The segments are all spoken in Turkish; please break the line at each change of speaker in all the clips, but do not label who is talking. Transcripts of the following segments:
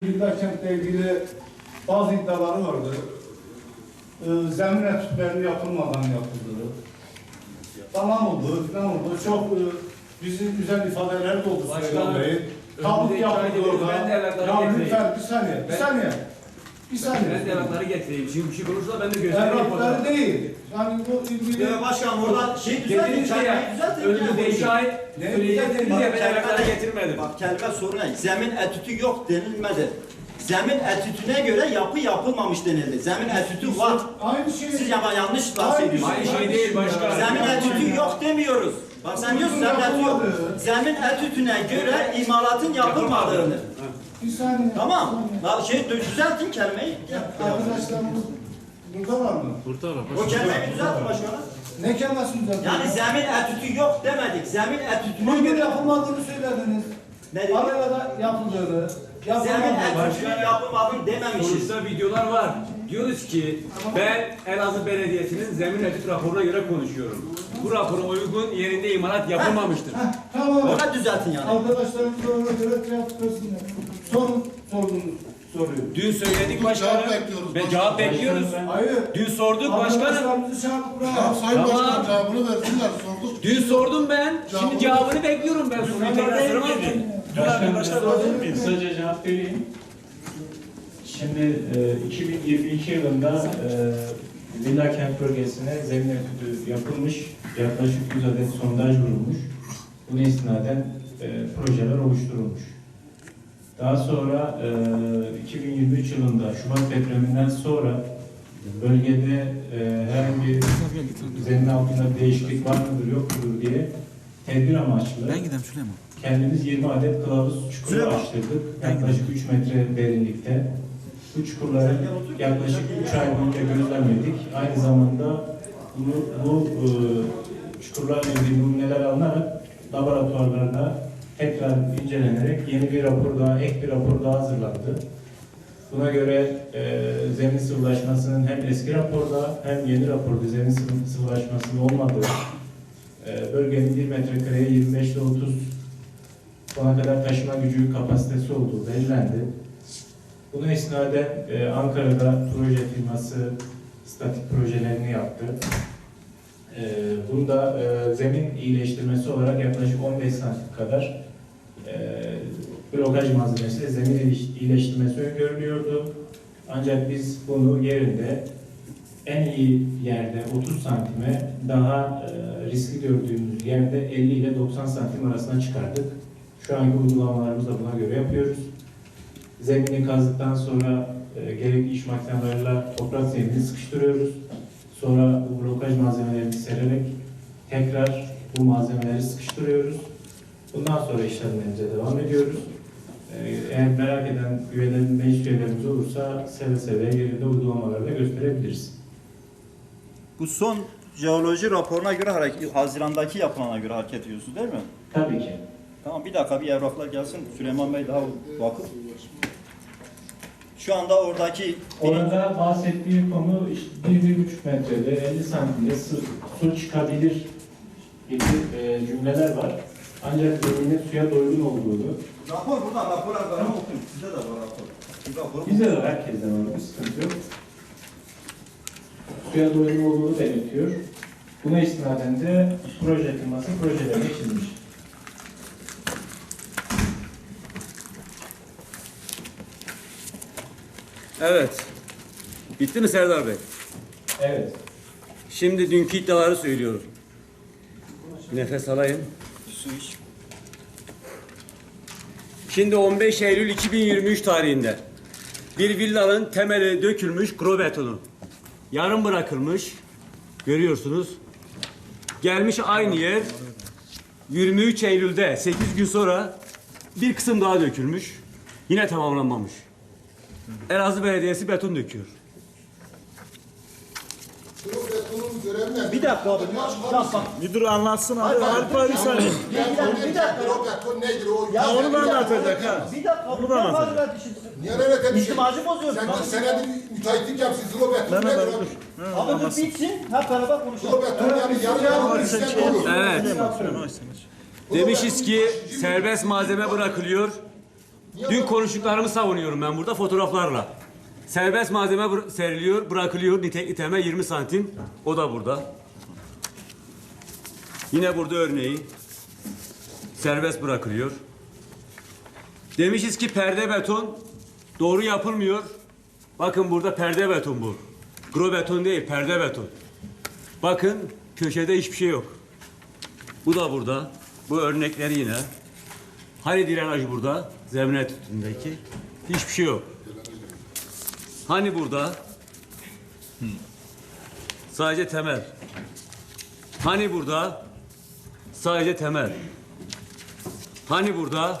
Bildakentle ilgili bazı iddiaları vardı. Zemin etütlerinin yapılmadan yapıldığı. Tamam oldu, falan oldu. Çok bizim güzel ifadeler de oldu Süleyman Bey. Tabut yapıldı orada. Ya lütfen bir saniye, bir saniye. Bir saniye.
Ben de evrakları getireyim. Şimdi bir şey konuşursa ben de göstereyim.
Evrakları değil. Yani bu ilgili...
Başkanım oradan şey düzeltin, kelimeyi düzeltin.
Önümüzde şahit söyleyeceksiniz ya ben evrakları getirmedim.
Bak kelime sorun ne? Zemin etütü yok denilmedi. Zemin etütüne göre yapı yapılmamış denildi. Zemin etütü var.
Aynı şey.
Siz yanlış bahsediyorsunuz.
Aynı şey değil başkanım.
Zemin etütü yok demiyoruz. Bak sen diyorsun zemin etütü yok. Zemin etütüne göre imalatın yapılmadığını.
Bir saniye.
Tamam. Düzeltin kelimeyi.
Arkadaşlarımız burada var mı?
O kelimeyi düzeltin başkanım.
Ne kelimesini düzeltin?
Yani zemin etütü yok demedik. Zemin etütüne
Bugün
göre
yapılmadığını söylediniz.
ne dedik?
Arada yapıldığını.
Zemin etütünün yapılmadığını dememişiz.
Sonuçta videolar var. Diyoruz ki ben Elazığ Belediyesi'nin zemin etüt raporuna göre konuşuyorum. Bu rapora uygun yerinde imalat yapılmamıştır.
Tamam.
Ona düzeltin yani.
Arkadaşlarımız da ona göre cevap versinler. Sorduğunuz soruyu.
Dün söyledik başkanım. Ve cevap bekliyoruz.
Hayır.
Dün sorduk başkanım.
Arkadaşlarımızı çağırıp buraya.
Sayın Başkan cevabını versinler, sorduk.
Dün sordum ben. Şimdi cevabını bekliyorum ben. Soruyu tekrar soramam ki.
Kısaca cevap vereyim. Şimdi 2022 yılında Villa Kent bölgesine zemin etüdü yapılmış. Yaklaşık 100 adet sondaj vurulmuş. Buna istinaden projeler oluşturulmuş. Daha sonra 2023 yılında Şubat depreminden sonra bölgede herhangi bir zemin altında değişiklik var mıdır yok mudur diye tedbir amaçlı kendimiz 20 adet kılavuz çukuru açtırdık. Yaklaşık 3 metre derinlikte. Bu çukurları yaklaşık 3 ay boyunca gözlemledik. Aynı zamanda bu çukurlarla ilgili numuneler alınarak laboratuvarlarda tekrar incelenerek yeni bir rapor daha, ek bir rapor daha hazırlandı. Buna göre zemin sıvılaşmasının hem eski raporda hem yeni raporda zemin sıvılaşmasının olmadığı, bölgenin 1 metrekareye 25 ile 30 tona kadar taşıma gücü kapasitesi olduğu belirlendi. Buna istinaden Ankara'da proje firması statik projelerini yaptı. Bunda zemin iyileştirmesi olarak yaklaşık 15 santim kadar blokaj malzemesi, zemin iyileştirmesi öngörülüyordu. Ancak biz bunu yerinde en iyi yerde 30 santime daha riskli gördüğümüz yerde 50 ile 90 santim arasına çıkardık. Şu anki uygulamalarımızı da buna göre yapıyoruz. Zemini kazdıktan sonra gerekli iş makinelerle toprak zeminini sıkıştırıyoruz. Sonra bu blokaj malzemelerini sererek tekrar bu malzemeleri sıkıştırıyoruz. Bundan sonra işlemlerimize devam ediyoruz. Eğer merak eden meclis üyelerimiz olursa seve seve yerinde uygulamaları da gösterebiliriz.
Bu son jeoloji raporuna göre Haziran'daki yapılana göre hareket ediyorsunuz değil mi?
Tabii ki.
Tamam bir dakika bir evraklar gelsin. Süleyman Bey daha vakıf. Şu anda oradaki
Orada bahsettiği konu işte 1-1,5 metrede 50 santimde su çıkabilir gibi cümleler var. Ancak zeminin suya doygun olduğunu.
rapor burada rapor okuyun. Size de var rapor.
Bizde de herkesten var, bir sıkıntı yok. Suya doygun olduğunu belirtiyor. Buna istinaden de proje firması projelerini çizmiş.
Evet. Bitti mi Serdar Bey?
Evet.
Şimdi dünkü iddiaları söylüyorum. Nefes alayım.
Su iç.
Şimdi 15 Eylül 2023 tarihinde bir villanın temeli dökülmüş, kro betonu. Yarım bırakılmış. Görüyorsunuz. Gelmiş aynı yer 23 Eylül'de 8 gün sonra bir kısım daha dökülmüş. Yine tamamlanmamış. Elazığ Belediyesi beton döküyor.
Bir dakika abi.
Müdür anlatsın abi. Arif abi sen.
Bir dakika.
O nedir o?
Ya
onu da anlatacak ha.
Bir dakika.
Onu da anlatacak.
Niye öyle bir şey?
İstimacı bozuyorsun.
Sen senedir müteahhitlik yapsın. Zilobet nedir abi?
Abi dur bitsin. Hep beraber konuşalım.
Zilobet yani yarı işlem olur.
Evet. Demişiz ki serbest malzeme bırakılıyor. Dün konuştuklarımı savunuyorum ben burada fotoğraflarla. Serbest malzeme seriliyor, bırakılıyor. Nitekli temel 20 santim. O da burada. Yine burada örneği. Serbest bırakılıyor. Demişiz ki perde beton doğru yapılmıyor. Bakın burada perde beton bu. Gro beton değil, perde beton. Bakın köşede hiçbir şey yok. Bu da burada. Bu örnekleri yine. Hani drenaj burada? Zemin etütündeki. Hiçbir şey yok. Hani burada? Sadece temel. Hani burada? Sadece temel. Hani burada?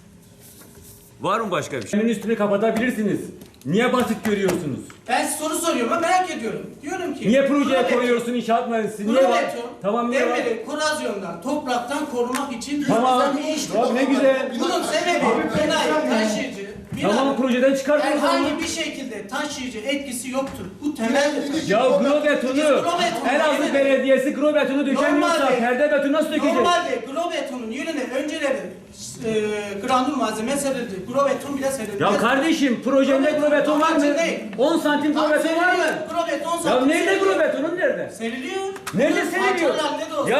Var mı başka bir şey? Zemin üstünü kapatabilirsiniz. Niye basit görüyorsunuz?
Ben size soru soruyorum ama merak ediyorum. Diyorum ki...
Niye projeye
Grobeton-
koyuyorsun inşaat mühendisi? Niye var?
Grobeton,
Tamam niye var?
demiri korozyondan, topraktan korumak için
Tamam.
bir iş.
Abi ne güzel.
Bunun sebebi binayı taşıyıcı,
Tamam
binanın
projeden çıkartıyorsun.
herhangi bir şekilde taşıyıcı etkisi yoktur. Bu temel detay.
Ya gro betonu, Elazığ Belediyesi gro betonu dökemiyorsa
Normalde-
perde betonu nasıl dökecek?
Normalde grobetonun yönüne önceleri granül malzeme serildi. Grobeton bile serildi.
Ya kardeşim projende gro beton var mı?
Amacın değil.
10 santim gro beton var mı?
Grobeton
Ya
zaten
nerede
seriliyor.
gro betonun nerede?
Seriliyor.
Nerede
Bunun
seriliyor?
parçalar ne de olsa.
Ya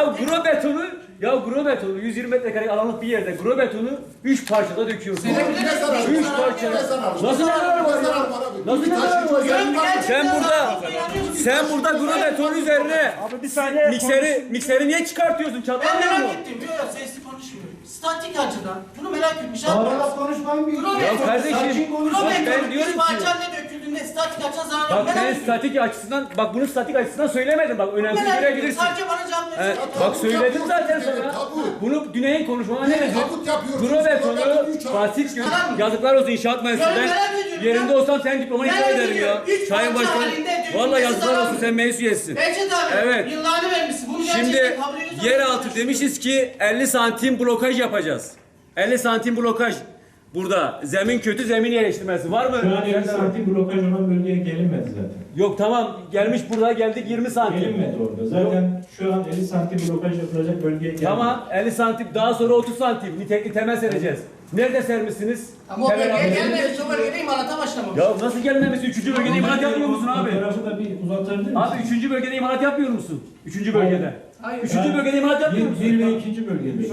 gro betonu 120 metrekare alanlık bir yerde gro betonu 3 parçada döküyorsun.
Senebilir
Ne zararı var?
3
zarar
parça.
yok.
Ne zararı var?
Nasıl ne zararı var
Ne zararı
ya?
var abi?
Nasıl ne zararı var ya?
Diyorum ki gerçekten
Sen burada,
zarar yok.
sen burada gro beton üzerine
Abi bir saniye.
mikseri niye çıkartıyorsun?
Ben
Çatlamıyor mu?
merak ettim. Yok sesli konuşmuyorum. Statik açıdan bunu merak etmiş.
Bağırarak konuşmayın bir.
Ya kardeşim bak ben diyorum ki
parçayla döküldüğünde statik açıdan zarar
bak
merak
ben
ediyorum.
statik açısından bak bunu statik açısından söylemedim bak önemsiz
Merak ediyorum.
görebilirsin.
Sadece bana cevap
He,
verin.
bak söyledim zaten sana.
Tabu.
Bunu Güney'in konuşmana ne dedi?
Tabut yapıyoruz.
Gro betonu
Betonu üç
basit gör.
Tamam mı?
Yazıklar olsun inşaat mühendisi.
Ya
Ben
merak ediyorum
yerinde
ya.
olsam sen diplomayı
Merak
iptal ederim ya.
ediyorum. Üç
Sayın
parça
Başkanım.
halinde dökülmesi
Vallahi yazıklar
zarar
olsun
mı?
sen meclis üyesisin.
Behçet abi.
Evet.
Yıllarını vermişsin. Bunu
Şimdi
gerçekten kabul ediyorsan-
yeraltı demişiz ki 50 santim blokaj yapacağız. 50 santim blokaj. Burada zemin kötü zemin yerleştirmesi var mı?
Şu an 50 santim blokaj olan bölgeye gelinmedi zaten.
Yok tamam gelmiş burada geldik 20 santim.
Gelinmedi orada. Zaten şu an 50 santim blokaj yapılacak bölgeye gelmedi.
Tamam 50 santim daha sonra 30 santim nitekli temel sereceğiz. Nerede sermişsiniz?
Ama o
Temel
bölgeye
abi.
gelmemiş. O bölgede imalata başlamamış.
Ya nasıl gelmemesi? 3. bölgede imalat yapmıyor musun abi?
Fotoğrafı da bir uzatabilir misin?
Abi 3. bölgede imalat yapmıyor musun? 3. bölgede.
Hayır.
3. bölgede imalat yapmıyor musun?
1 ve 2. bölgede.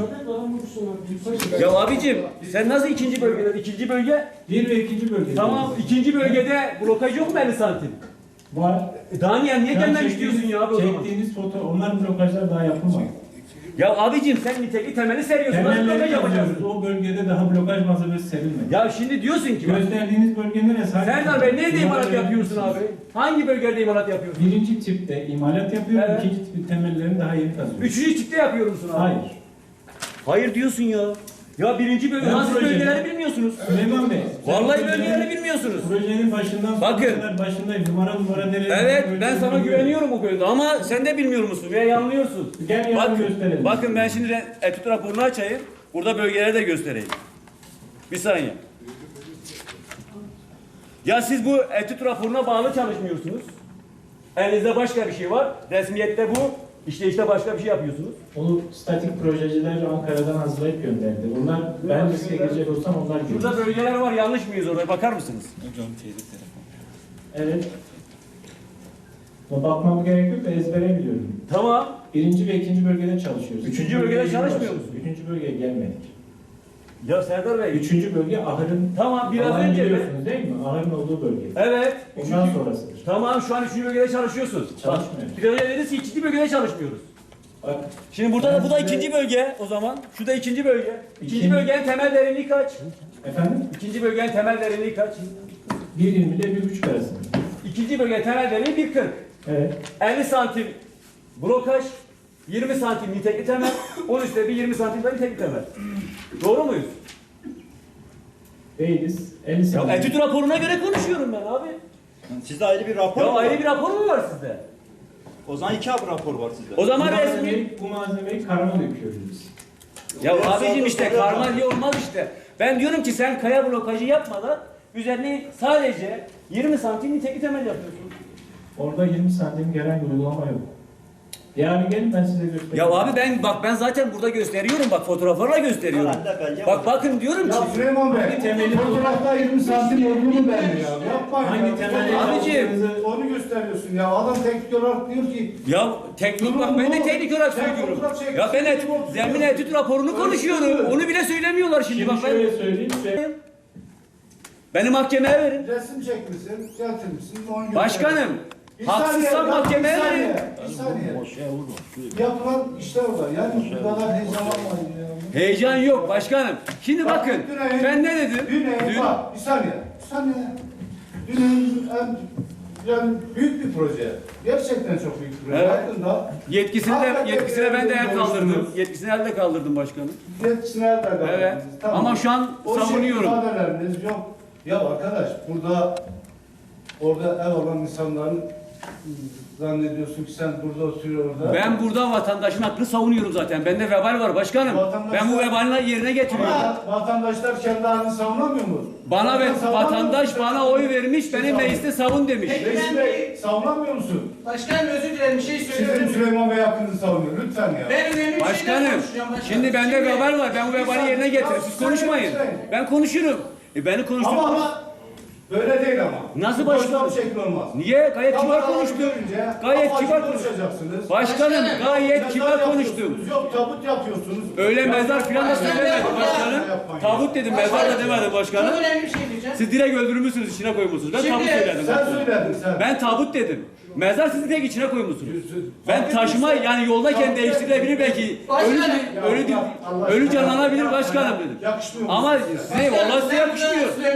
Ya abicim sen nasıl 2. bölgede? 2. bölge
1 ve 2. bölgede.
tamam 2. bölgede blokaj yok mu 50 santim?
Var.
Daha niye
Şu an
gelmemiş diyorsun ya abi o zaman?
Çektiğiniz foto, onlar blokajlar daha yapılmadı.
Ya abicim sen nitekli temeli seriyorsun. Nasıl blokaj
Temelleri
yapacaksın?
yapıyoruz. O bölgede daha blokaj malzemesi serilmedi.
Ya şimdi diyorsun ki bak,
Gösterdiğiniz bölge neresi?
Serdar Bey nerede imalat yapıyorsun abi? Hangi bölgede imalat yapıyorsun?
Birinci tipte imalat yapıyor,
Evet.
ikinci tipte temellerini daha yeni kazıyor.
3. tipte yapıyor musun abi?
Hayır.
Hayır diyorsun ya. Ya 1. bölge
Ben
nasıl
projenin-
bölgeleri bilmiyorsunuz?
Süleyman Bey.
Vallahi
projenin-
bölgeleri bilmiyorsunuz.
Projenin başından
Bakın.
sonuna kadar başındayım. Numara nereye?
Evet ben sana güveniyorum bu konuda ama sen de bilmiyor musun veya yanılıyorsun.
Gel yarın
Bakın,
gösterelim.
bakın ben şimdi etüt raporunu açayım. Burada bölgeleri de göstereyim. Bir saniye. Ya siz bu etüt raporuna bağlı çalışmıyorsunuz. Elinizde başka bir şey var. Resmiyette bu. İşte başka bir şey yapıyorsunuz.
Onu statik projeciler Ankara'dan hazırlayıp gönderdi. Onlar ben riske girecek olsam onlar görür.
Şurada bölgeler var. Yanlış mıyız oraya? Bakar mısınız?
Evet. Bakmam gerek yok da ezbere biliyorum.
Tamam.
Birinci ve ikinci bölgede çalışıyoruz.
Üçüncü bölgede çalışmıyor musun?
Üçüncü bölgeye gelmedik.
Ya Serdar Bey.
Üçüncü bölge ahırın
Tamam biraz
alanı
önce mi?
biliyorsunuz değil mi? Ahırın olduğu bölge.
Evet.
Ondan sonrasıdır.
Tamam şu an 3. bölgede çalışıyorsun.
Çalışmıyoruz.
Biraz önce dediniz ki 2. bölgede çalışmıyoruz.
Bak,
Şimdi burada da bu da
Ben size-
2. bölge o zaman. Şu da 2. bölge. 2.
İkinci-
bölgenin temel derinliği kaç?
efendim
2. bölgenin temel derinliği kaç?
1.20 ile 1.5 arasında.
2. bölgenin temel derinliği 1.40.
Evet.
50 santim blokaj, 20 santim nitekli temel, 10 üstte bir 20 santim de nitekli temel. Doğru muyuz?
Değiliz. 50
Ya
santim.
etüt raporuna göre konuşuyorum ben abi.
Sizde ayrı bir rapor
Ya
mu var?
ayrı bir rapor mu var sizde?
O zaman 2 rapor var sizde.
O zaman resmi.
Bu malzemeyi karma döküyoruz biz.
Ya abicim işte karma diye olmaz işte. Ben diyorum ki sen kaya blokajı yapmadan üzerine sadece 20 santim nitekli temel yapıyorsun.
Orada 20 santim gelen bir uygulama yok. Yani gelin ben size göstereyim.
Ya abi ben zaten burada gösteriyorum bak fotoğraflarla gösteriyorum.
Herhalde belge
Bak bakın diyorum ki.
Ya Süleyman Bey,
Hangi temeli-
fotoğrafta 20 santim olduğunu belli ya. Yapmayın
Hangi
ya.
temeli-
Abicim.
Onu gösteriyorsun ya. Adam teknik olarak diyor ki
Ya teknik bak ben de teknik olarak söylüyorum. Ya ben zemin etüt raporunu konuşuyorum. Onu bile söylemiyorlar şimdi bak
Şimdi
ben.
şöyle söyleyeyim.
Beni mahkemeye verin.
resim çekmişsin, getirmişsin. onu göster.
Başkanım,
Bir
haksızsan
saniye, ya,
mahkemeye
bir saniye,
verin.
Bir saniye. Yapılan işler orada. Yani bu kadar heyecanlanmayın ya.
Heyecan yok başkanım. Şimdi bakın ben ne dedim?
Dün, bak bir saniye. Bir saniye. Dün yani büyük bir proje. Gerçekten çok büyük bir proje.
Evet.
Hakkında
Yetkisine ben de el kaldırdım. Yetkisine el de kaldırdım başkanım.
yetkisine el de
Evet. Ama şu an
O
savunuyorum.
ifadeleriniz yok. Ya arkadaş orada ev olan insanların zannediyorsun ki sen burada oturuyor orada.
Ben burada vatandaşın hakkını savunuyorum zaten. Bende vebal var başkanım. Ben bu vebalini yerine getiriyorum.
Ama vatandaşlar kendi halini savunamıyor mu?
Bana ve
Savunamıyor
vatandaş
musun?
bana oy vermiş, benim
Savun.
mecliste savun demiş.
Reis Bey savunamıyor musun?
Başkanım özür dilerim bir şey
Sizin
söylüyorum.
Süleyman Bey hakkınızı savunuyor. Lütfen ya.
Ben önemli bir şeyden
Başkanım,
konuşacağım başkanım.
şimdi bende
Şimdi-
vebal var. Ben bu vebali yerine getiririm. Siz konuşmayın. Ben konuşurum. Beni konuşturun.
Ama böyle değil ama.
Nasıl
Bu
başkanım?
konuşma şekli olmaz.
Niye? Gayet kibar
Kameralar
konuştum.
görünce
Gayet
afaki
kibar konuştum.
konuşacaksınız.
Başkanım gayet
Mezar
kibar konuştum.
yapıyorsunuz, Yok tabut yapıyorsunuz.
Öyle
Ya,
mezar filan da
başkanım,
söylemedim başkanım.
yapmayın.
Tabut dedim, mezar da demedim
Çok
başkanım.
önemli bir şey diyeceğim.
Siz direkt öldürmüşsünüz, içine koymuşsunuz. Ben
Şimdi
tabut söyledim.
Sen söyledin sen.
Ben tabut dedim. Mezar sizi direkt içine koymuşsunuz. Ben
Fark
taşıma
etmişsin.
yani yoldayken
Tabut
değiştirilebilir belki.
Başkanım.
Ölü
Ya, Allah
ölü
aşkına.
canlanabilir
Yapma
başkanım
ya.
dedim.
Yakışmıyor.
Ama size vallahi size
Ben burada
yakışmıyor.